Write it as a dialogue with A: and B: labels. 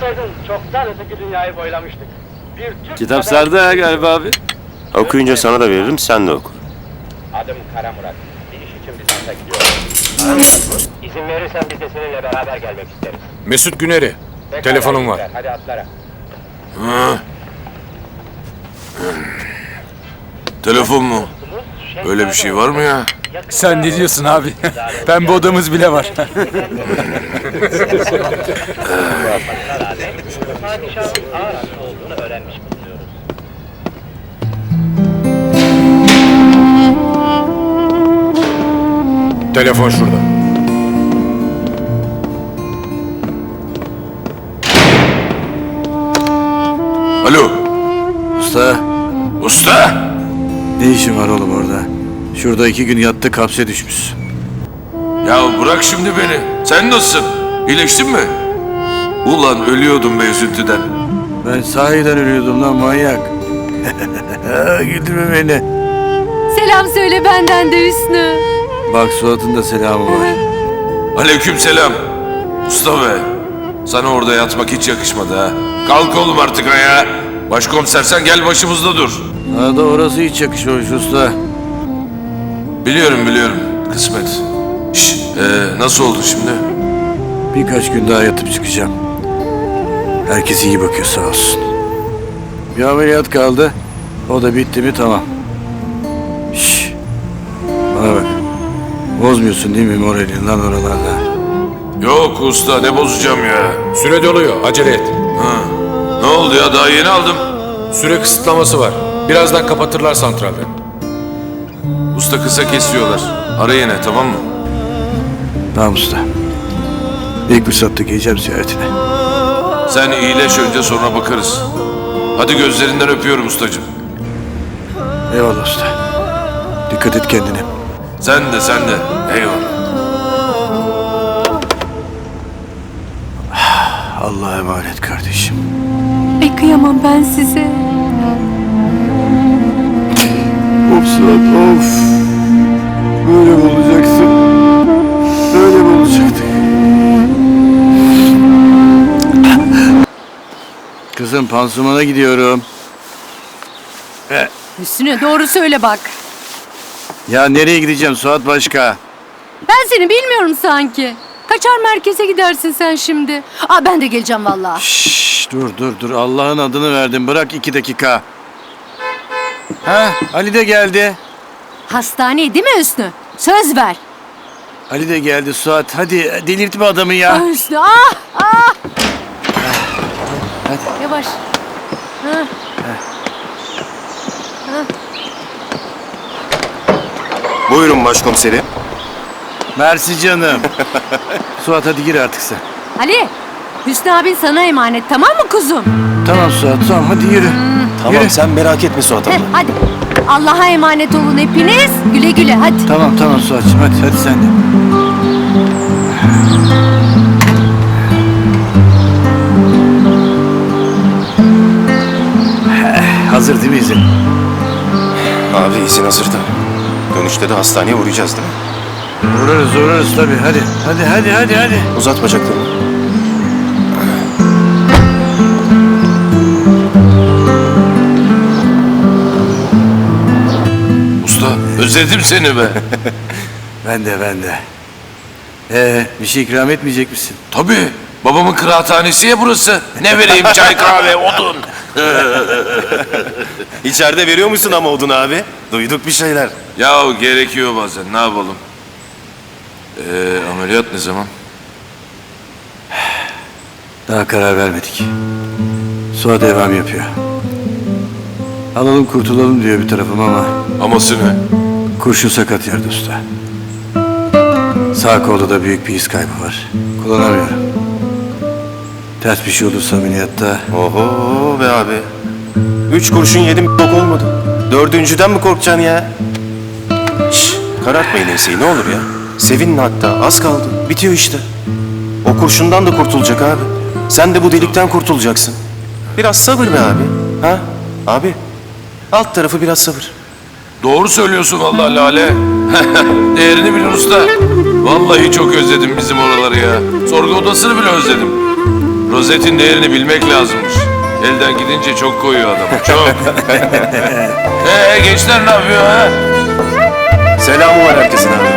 A: olsaydın çoktan öteki dünyayı boylamıştık. Bir Türk
B: Kitap
A: kadar-
B: sardı ha galiba abi.
C: Okuyunca sana da veririm, sen de oku.
A: Adım Kara Murat. Bir iş için Bizans'a gidiyorum. İzin verirsen biz de seninle beraber gelmek isteriz.
D: Mesut Güner'i.
A: Pekala,
D: Telefonum var.
A: güzel. Hadi atlara.
E: Telefon mu? Öyle bir şey var mı ya?
D: Sen ne diyorsun abi? Pembe odamız bile var.
A: Padişahın ağır hasta olduğunu öğrenmiş bulunuyoruz.
D: Telefon şurada.
E: Alo,
F: Usta,
E: usta!
F: ne işin var oğlum orada? Şurada 2 gün yattı, hapse düşmüş.
E: Ya bırak şimdi beni. Sen nasılsın? İyileştin mi? Ulan ölüyordum be üzüntüden.
F: Ben sahiden ölüyordum lan manyak. Güldürme beni.
G: Selam söyle benden de Hüsnü.
F: Bak Suat'ın da selamı var.
E: Aleykümselam. Usta be. Sana orada yatmak hiç yakışmadı ha. Kalk oğlum artık ayağa. Başkomisersen gel başımızda dur.
F: Bana da orası hiç yakışmamış usta.
E: Biliyorum. Kısmet. Şş, nasıl oldu şimdi?
F: Birkaç gün daha yatıp çıkacağım. Herkes iyi bakıyor sağ olsun. Bir ameliyat kaldı. O da bitti mi tamam. Şşş. Bana bak. Bozmuyorsun değil mi moralini lan oralarda?
E: Yok usta ne bozacağım ya.
D: Süre doluyor. Acele et.
E: Ne oldu ya daha yeni aldım.
D: Süre kısıtlaması var. Birazdan kapatırlar santralleri.
E: Usta kısa kesiyorlar. Ara yine tamam mı?
F: Tamam usta. İlk fırsatta geleceğim ziyaretine.
E: Sen iyileş önce sonra bakarız. Hadi gözlerinden öpüyorum ustacığım.
F: Eyvallah usta. Dikkat et kendine.
E: Sen de. Eyvallah.
F: Allah'a emanet kardeşim.
G: Ay kıyamam ben size.
F: Of Suat of. Böyle mi olacaksın? Böyle mi olacaktık? Kızım pansumana gidiyorum.
G: Hüsnü doğru söyle bak.
F: Ya nereye gideceğim Suat başka?
G: Ben seni bilmiyorum sanki. Kaçar merkeze gidersin sen şimdi. Aa ben de geleceğim vallahi.
F: Şşş dur Allah'ın adını verdim bırak 2 dakika. Ha Ali de geldi.
G: Hastaneye değil mi Hüsnü? Söz ver.
F: Ali de geldi Suat hadi delirtme adamı ya.
G: Ah Hüsnü ah.
F: Hadi.
G: Yavaş. Ha.
C: Buyurun başkomiserim.
F: Mersi canım. Suat hadi gir artık sen.
G: Ali. Hüsnü abin sana emanet tamam mı kuzum?
F: Tamam Suat tamam hadi yürü.
C: Tamam
F: Yürü.
C: sen merak etme Suat
G: Heh,
C: abla.
G: hadi. Allah'a emanet olun hepiniz. Güle güle hadi.
F: Tamam Suat'cığım hadi sen de. Hazır değil mi izin?
C: Abi izin hazırda. Dönüşte de hastaneye uğrayacağız değil mi?
F: Uğrarız tabii hadi.
C: Uzat bacaklarını.
E: Usta özledim seni be.
F: Ben de. Bir şey ikram etmeyecek misin?
E: Tabii. Babamın kıraathanesi ya burası. Ne vereyim çay kahve odun.
C: İçeride veriyor musun ama odun abi? Duyduk bir şeyler.
E: Ya gerekiyor bazen ne yapalım. Ameliyat ne zaman?
F: Daha karar vermedik. Suat devam yapıyor. Alalım kurtulalım diyor bir tarafım ama
E: Aması ne?
F: kurşun sakat yerde usta. Sağ kolda da büyük bir iz kaybı var. Kullanamıyorum. Ters bir şey olursa ameliyatta
C: Oho be abi. 3 kurşun yedim bok olmadı. 4.'den mi korkacaksın ya? Şşş karartmayın enseyi ne olur ya. Sevinin hatta az kaldı. Bitiyor işte. O kurşundan da kurtulacak abi. Sen de bu delikten kurtulacaksın. Biraz sabır be abi. Ha? Abi. Alt tarafı biraz sabır.
E: Doğru söylüyorsun vallahi Lale. Değerini bilin usta. Vallahi çok özledim bizim oraları ya. Sorgu odasını bile özledim. Rozetin değerini bilmek lazımmış. Elden gidince çok koyuyor adamı, çok. Gençler ne yapıyor ha?
C: Selamı var herkesin abi.